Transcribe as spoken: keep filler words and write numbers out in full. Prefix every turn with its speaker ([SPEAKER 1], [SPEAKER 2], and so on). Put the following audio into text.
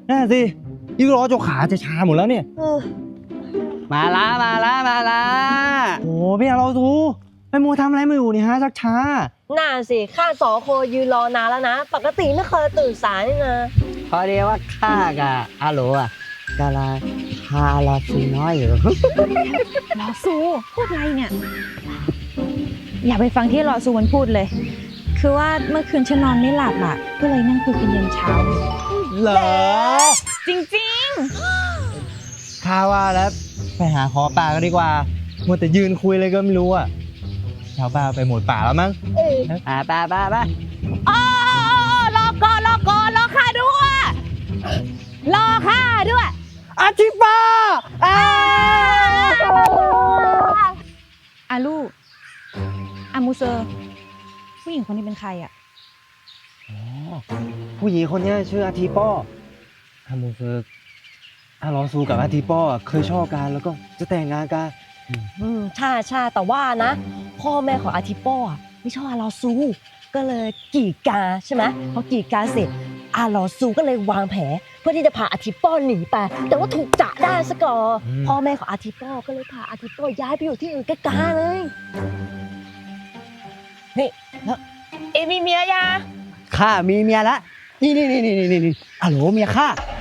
[SPEAKER 1] น่าสิยิ่งรอจนขาจะชาหมดแล้วเนี่ย
[SPEAKER 2] เออ
[SPEAKER 3] มาละมาละมาละ
[SPEAKER 1] โอ้พี่อาเราทูไปมัวทำอะไรมาอยู่นี่ฮะชักช้า
[SPEAKER 2] น่าสิข้าสองคนยืนรอนานแล้วนะ ปกติไม่เคยตื่นสายนี่นะ
[SPEAKER 3] พอดีว่าข้ากับอาโหลอ่ะกำลังพาลอซูน้อยอยู่
[SPEAKER 4] ลอซูพูดอะไรเนี่ย อย่าไปฟังที่ลอซูมันพูดเลย คือว่าเมื่อคืนฉันนอนไม่หลับอ่ะ ก็เลยนั่งคุยกันยันเช้า
[SPEAKER 1] เหรอ
[SPEAKER 4] จริง
[SPEAKER 1] ข้าว่าแล้วไปหาขอป่ากันดีกว่ามัวแต่ยืนคุยเลยก็ไม่รู้อ่ะชาวบ้านไปหมดป่าแล้วมั้ง
[SPEAKER 2] เออ
[SPEAKER 3] อ่าไปไปไป
[SPEAKER 4] ๆอ๋อรอก่อนรอก่อนรอข้าด้วยรอข้าด้วย
[SPEAKER 1] อาชิปาอา
[SPEAKER 4] อาลูอามูเซอร์ผู้หญิงคนนี้เป็นใครอ่ะ
[SPEAKER 1] ผู้หญิงคนนี้ชื่ออาทีป้ออามูเซอร์อาลองซูกับอาทีป้อเคยชอบกันแล้วก็จะแต่งงานกัน
[SPEAKER 2] อืมใช่ใช่แต่ว่านะ พ่อแม่ของอาทิโป้อะไม่ชอบอาลอซู ก็เลยกีดกันใช่ไหมพอกีดกันเสร็จอาลอซูก็เลยวางแผนเพื่อที่จะพาอาทิโป้หนีไป แต่ว่าถูกจับได้ซะก่อนพ่อแม่ของอาทิโป้ก็เลยพาอาทิโป้ย้ายไปอยู่ที่อื่นใกล้ๆเลยนี่แล้วเอมีเมียยัง
[SPEAKER 3] ข้ามีเมียละนี่นี่นี่นี่นี่นี่อาโหลเมียข้า